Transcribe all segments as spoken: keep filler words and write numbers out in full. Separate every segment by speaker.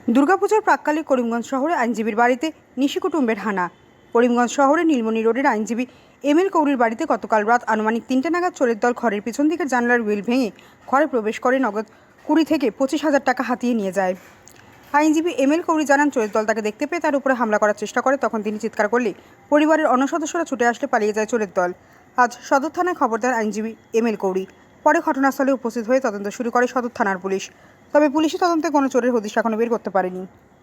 Speaker 1: দুর্গাপূজার প্রাক্কালে করিমগঞ্জ শহরে আইনজীবীর বাড়িতে নিশি কুটুম্বের হানা। করিমগঞ্জ শহরে নীলমণি রোডের আইনজীবী এম এল কৌরির বাড়িতে গতকাল রাত আনুমানিক তিনটে নাগাদ চোরের দল ঘরের পিছন দিকের জানলার হুইল ভেঙে ঘরে প্রবেশ করে নগদ কুড়ি থেকে পঁচিশ হাজার টাকা হাতিয়ে নিয়ে যায়। আইনজীবী এম এল কৌরি জানান, চোরের দল তাকে দেখতে পেয়ে তার উপরে হামলা করার চেষ্টা করে। তখন তিনি চিৎকার করলে পরিবারের অন্য সদস্যরা ছুটে আসলে পালিয়ে যায় চোরের দল। আজ সদর থানায় খবর দেন আইনজীবী এম এল কৌরি। পরে ঘটনাস্থলে উপস্থিত হয়ে তদন্ত শুরু করে সদর থানার পুলিশ। তবে পুলিশি তদন্তে কোনো চোরের হদিশ এখনো বের করতে পারেনি।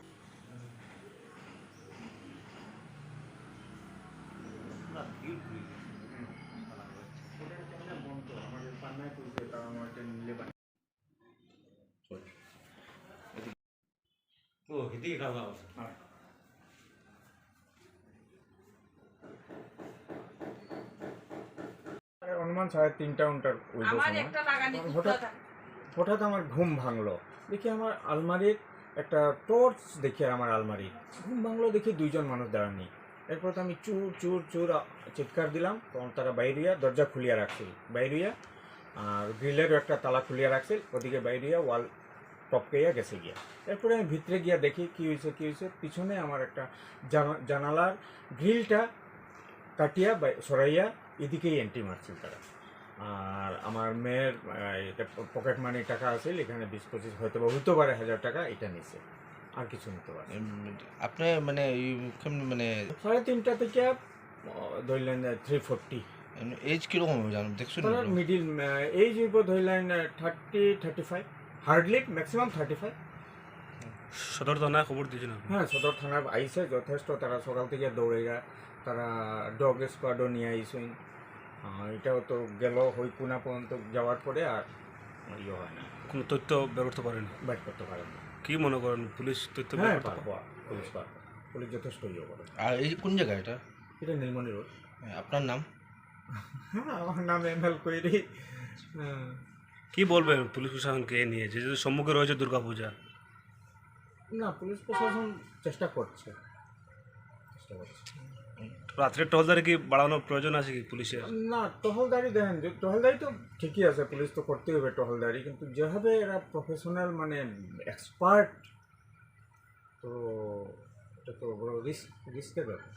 Speaker 2: ও এদিকে খাওয়া
Speaker 3: অনুমান সাড়ে তিনটা উনটার ওই হঠাৎ হঠাৎ আমার ঘুম ভাঙলো। দেখি আমার আলমারির একটা টর্চ দেখি, আমার আলমারি ঘুম ভাঙলো, দেখি দুইজন মানুষ দাঁড়ানি। এরপর তো আমি চুর চুর চুর চিৎকার দিলাম, তখন তারা বাইরিয়া দরজা খুলিয়া রাখছিল, বাইরিয়া আর গ্রিলেরও একটা তালা খুলিয়া রাখছিল, ওদিকে বাইরিয়া ওয়াল টপকাইয়া গেছে গিয়া। এরপরে আমি ভিতরে গিয়া দেখি কী হয়েছে কী হয়েছে পিছনে আমার একটা জানালার গ্রিলটা কাটিয়া সরাইয়া এদিকেই এন্ট্রি মারছিল তারা। আর আমার মেয়ের পকেট মানি টাকা আছে, এখানে বিশ পঁচিশ হয়তো বা হইতে পারে হাজার টাকা, এটা নিছে, আর কিছু নিতে পারে।
Speaker 4: আপনি মানে মানে
Speaker 3: সাড়ে তিনটা থেকে ধরলেন থ্রি ফোরটি।
Speaker 4: এজ কীরকম জানো দেখছো?
Speaker 3: মিডিল এইজ ধরলেন thirty thirty five, hardly maximum thirty five.
Speaker 2: সদর থানায় খবর দিয়েছিল?
Speaker 3: হ্যাঁ, সদর থানায় আইসে যথেষ্ট, তারা সকাল থেকে দৌড়ে যায়, তারা ডগ স্কোয়াডও নিয়ে আইসেন। এটাও তো গেল হই কোনা পর্যন্ত যাওয়ার পরে আর ইয়ে হয় না,
Speaker 2: কোনো তথ্য বের করতে পারেন?
Speaker 3: বাইট করতে পারেন না।
Speaker 2: কি মনে করেন পুলিশ তথ্য?
Speaker 3: হ্যাঁ, পারবো, পুলিশ পারবো, পুলিশ যথেষ্ট ইয়ে করে।
Speaker 4: আর এই কোন জায়গা এটা?
Speaker 3: এটা নীলমণি রোড।
Speaker 4: আপনার নাম?
Speaker 3: হ্যাঁ, আমার নাম এম এল কৌরি। হ্যাঁ,
Speaker 2: কি বলবেন পুলিশ প্রশাসনকে এ নিয়ে, যেহেতু সম্মুখে রয়েছে দুর্গাপূজা?
Speaker 3: না, পুলিশ প্রশাসন চেষ্টা করছে চেষ্টা করছে
Speaker 2: রাত্রে টহলদারি কি বাড়ানোর প্রয়োজন আছে কি পুলিশের?
Speaker 3: না, টহলদারি দেখেন, যে টহলদারি তো ঠিকই আছে, পুলিশ তো করতেই হবে টহলদারি, কিন্তু যেভাবে এরা প্রফেশনাল মানে এক্সপার্ট, তো এটা তো বড় রিস্ক রিস্কের ব্যাপার।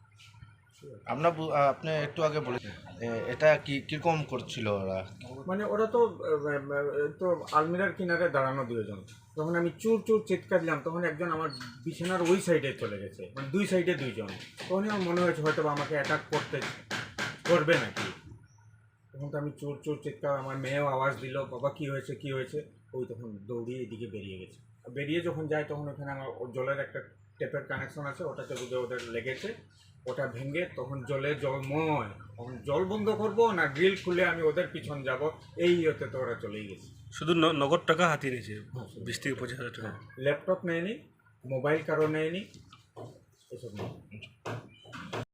Speaker 4: আপনার আপনি একটু আগে বলেছেন এটা কি কীরকম করছিল ওরা?
Speaker 3: মানে ওরা তো তো আলমিরার কিনারে দাঁড়ানো দুজন, তখন আমি চুর চুর চিৎকার দিলাম, তখন একজন আমার বিছানার ওই সাইডে চলে গেছে, মানে দুই সাইডে দুইজন। তখনই আমার মনে হয়েছে হয়তো আমাকে অ্যাটাক করতে করবে নাকি। তখন তো আমি চোর চোর চিৎকার, আমার মেয়েও আওয়াজ দিল, বাবা কী হয়েছে কী হয়েছে। ওই তখন দৌড়িয়ে এদিকে বেরিয়ে গেছে। বেরিয়ে যখন যায় তখন ওখানে আমার জলের একটা টেপের কানেকশন আছে, ওটাতে বুঝে ওদের লেগেছে, ওটা ভেঙে তখন জলে জলময়, তখন জল বন্ধ করবো না গ্রিল খুলে আমি ওদের পিছন যাব, এই ইয়েতে তো ওরা চলেই গেছে।
Speaker 2: শুধু নগদ টাকা হাতিয়ে নিয়েছে বিশ থেকে পঁচিশ হাজার টাকা?
Speaker 3: ল্যাপটপ নেয়নি, মোবাইল কারো নেয়নি, এসব নেই।